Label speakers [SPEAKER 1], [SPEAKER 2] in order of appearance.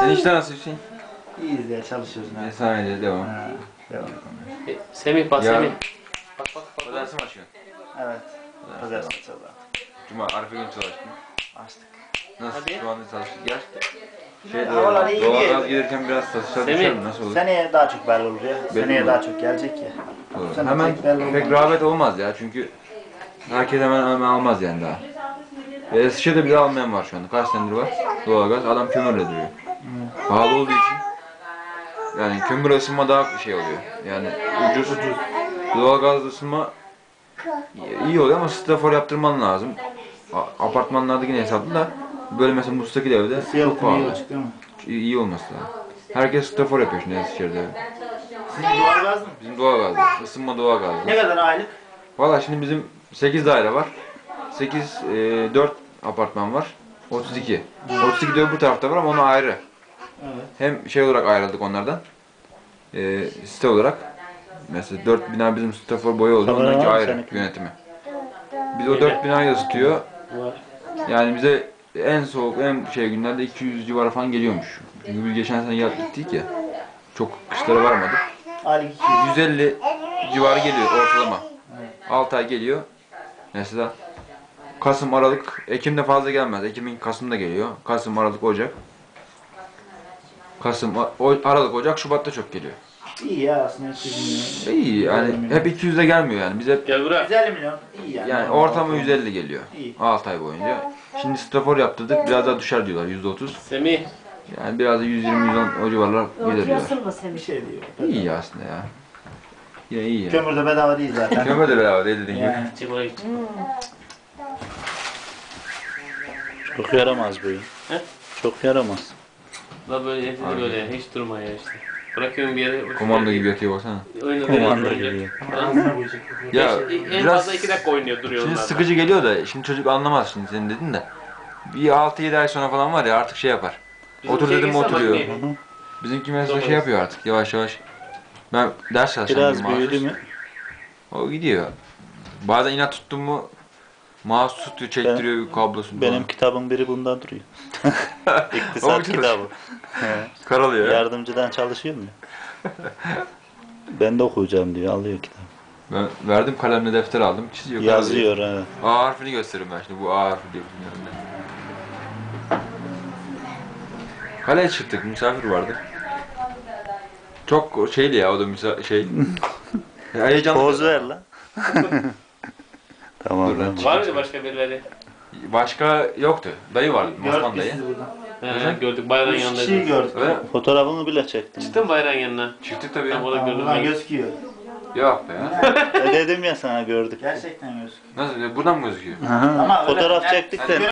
[SPEAKER 1] Enişte nasıl Hüseyin?
[SPEAKER 2] İyiyiz ya, çalışıyoruz.
[SPEAKER 1] Sadece devam.
[SPEAKER 2] Devam.
[SPEAKER 3] Semih bak
[SPEAKER 1] Ya.
[SPEAKER 3] Semih. Bak.
[SPEAKER 1] Pazartesi mi açıyorsun?
[SPEAKER 2] Evet. Pazartesi sabah.
[SPEAKER 1] Cuma, Arife günü çalıştın.
[SPEAKER 2] Açtık.
[SPEAKER 1] Nasıl?
[SPEAKER 3] Hadi.
[SPEAKER 1] Şu anda çalıştık. Gel. Şey,
[SPEAKER 2] Havalar iyi
[SPEAKER 1] doğalgaz
[SPEAKER 2] değil.
[SPEAKER 1] gelirken biraz satışlar
[SPEAKER 3] Semih.
[SPEAKER 1] düşer mi? Nasıl olur?
[SPEAKER 2] Seneye daha çok belli olur ya. Seneye
[SPEAKER 1] mi?
[SPEAKER 2] daha çok gelecek ya.
[SPEAKER 1] Doğru.
[SPEAKER 2] Sene
[SPEAKER 1] Hemen
[SPEAKER 2] pek belli
[SPEAKER 1] pek
[SPEAKER 2] olmaz.
[SPEAKER 1] rağbet olmaz ya çünkü herkes hemen almaz yani daha. Eskişehir'de bile almayan var şu anda. Kaç senedir var doğalgaz. Adam kömürle duruyor. Pahalı olduğu için yani kömür ısınma daha şey oluyor. Yani ucuz. Doğalgaz ısınma iyi oluyor ama strafor yaptırman lazım. Apartmanlarda yine hesaplı da böyle mesela müstakil evde çok
[SPEAKER 2] Fiyatı iyi
[SPEAKER 1] pahalı.
[SPEAKER 2] olacak değil mi?
[SPEAKER 1] İyi olması lazım. Herkes strafor yapıyor şimdi Eskişehir'de.
[SPEAKER 2] Sizin doğalgaz mı?
[SPEAKER 1] Bizim doğalgazda. Isınma doğalgazda.
[SPEAKER 2] Ne kadar aylık?
[SPEAKER 1] Valla şimdi bizim 8 daire var. 4 apartman var. 32. 32 de öbür tarafta var ama onu ayrı.
[SPEAKER 2] Evet.
[SPEAKER 1] Hem şey olarak ayrıldık onlardan. Site olarak. Mesela 4 bina bizim strafor boyu oldu.
[SPEAKER 2] Kamera
[SPEAKER 1] Onlarınki
[SPEAKER 2] var mı
[SPEAKER 1] ayrı
[SPEAKER 2] seninki?
[SPEAKER 1] yönetimi. Biz o 4 binayı ısıtıyor.
[SPEAKER 3] Var.
[SPEAKER 1] Yani bize en soğuk, en şey günlerde 200 civarı falan geliyormuş. Çünkü biz geçen sene gittik ya. Çok kışlara varmadık.
[SPEAKER 2] Aylık 200.
[SPEAKER 1] 150 civarı geliyor ortalama. 6 ay geliyor. Mesela Kasım, Aralık, Ekim'de fazla gelmez. Ekim'in Kasım'da geliyor. Kasım, Aralık, Ocak. Aralık, Ocak, Şubat'ta çok geliyor.
[SPEAKER 2] İyi ya aslında 200 milyon.
[SPEAKER 1] İyi yani hep 200'de gelmiyor yani. Biz hep
[SPEAKER 3] Gel buraya.
[SPEAKER 2] 150 milyon. İyi yani.
[SPEAKER 1] yani ortamı 150 geliyor.
[SPEAKER 2] İyi.
[SPEAKER 1] 6 ay boyunca. Şimdi strafor yaptırdık. Biraz daha düşer diyorlar %30.
[SPEAKER 3] Semih.
[SPEAKER 1] Yani biraz da 120-110 o civarlar gider diyorlar.
[SPEAKER 4] Oturuyorsun mu
[SPEAKER 2] Bir
[SPEAKER 4] Semih?
[SPEAKER 2] şey diyor.
[SPEAKER 1] İyi aslında ya. Yine iyi ya.
[SPEAKER 2] Kömür de bedava değil zaten.
[SPEAKER 1] Kömür de beraber dediğin gibi.
[SPEAKER 2] Yani.
[SPEAKER 3] Çık buraya git.
[SPEAKER 5] Çok yaramaz bu.
[SPEAKER 3] He?
[SPEAKER 5] Çok yaramaz.
[SPEAKER 3] La böyle evde böyle hiç durma ya işte. Bırakıyorum bir yere.
[SPEAKER 1] Komando gibi yatıyor baksana.
[SPEAKER 5] Komando gibi.
[SPEAKER 1] Ya
[SPEAKER 3] En
[SPEAKER 1] biraz
[SPEAKER 3] fazla 2 dakika oynuyor duruyor
[SPEAKER 1] şimdi
[SPEAKER 3] onlar.
[SPEAKER 1] sıkıcı geliyor da şimdi çocuk anlamaz şimdi senin dedin de. Bir 6-7 ay sonra falan var ya artık şey yapar. Otur dedim oturuyor. Bizimki mesela şey yapıyor artık yavaş yavaş. Ben ders çalışıyorum.
[SPEAKER 5] Biraz büyüdü mü?
[SPEAKER 1] O gidiyor. Bazen inat tuttum mu mouse tutuyor, çektiriyor kablosunu.
[SPEAKER 5] Benim kitabın biri bunda duruyor. İktisat kitabı.
[SPEAKER 1] karalıyor ya.
[SPEAKER 5] Yardımcıdan çalışıyorum ya. Ben de okuyacağım diyor. Alıyor kitabı.
[SPEAKER 1] Ben verdim kalemle defter aldım. Çiziyor.
[SPEAKER 5] Yazıyor evet.
[SPEAKER 1] A harfini gösteririm ben şimdi. Bu A harfi diye bilmiyorum ben. Kaleye çıktık. Misafir vardı. Çok şeydi ya o da heyecanlı.
[SPEAKER 5] Poz ver lan. Tamam.
[SPEAKER 1] Dur lan.
[SPEAKER 5] tamam.
[SPEAKER 3] Var mıydı başka birileri?
[SPEAKER 1] Başka yoktu. Dayı vardı. Osman
[SPEAKER 2] Gördük biz
[SPEAKER 1] dayı.
[SPEAKER 2] sizi buradan.
[SPEAKER 3] Gördük bayrağın
[SPEAKER 2] 3 kişiyi
[SPEAKER 3] yanındaydı.
[SPEAKER 2] gördük.
[SPEAKER 1] Öyle mi?
[SPEAKER 5] Fotoğrafını bile çektim.
[SPEAKER 3] Çıktın bayrağın yanına.
[SPEAKER 1] Çıktık tabii.
[SPEAKER 3] Tam o da gördüm
[SPEAKER 2] Buradan
[SPEAKER 3] ben.
[SPEAKER 2] gözüküyor.
[SPEAKER 1] Yok be ya.
[SPEAKER 5] Dedim ya sana gördük.
[SPEAKER 2] Gerçekten gözüküyor.
[SPEAKER 1] Nasıl? Buradan mı gözüküyor?
[SPEAKER 5] Aha.
[SPEAKER 2] Ama öyle-
[SPEAKER 5] Fotoğraf
[SPEAKER 2] yani-
[SPEAKER 5] çektik de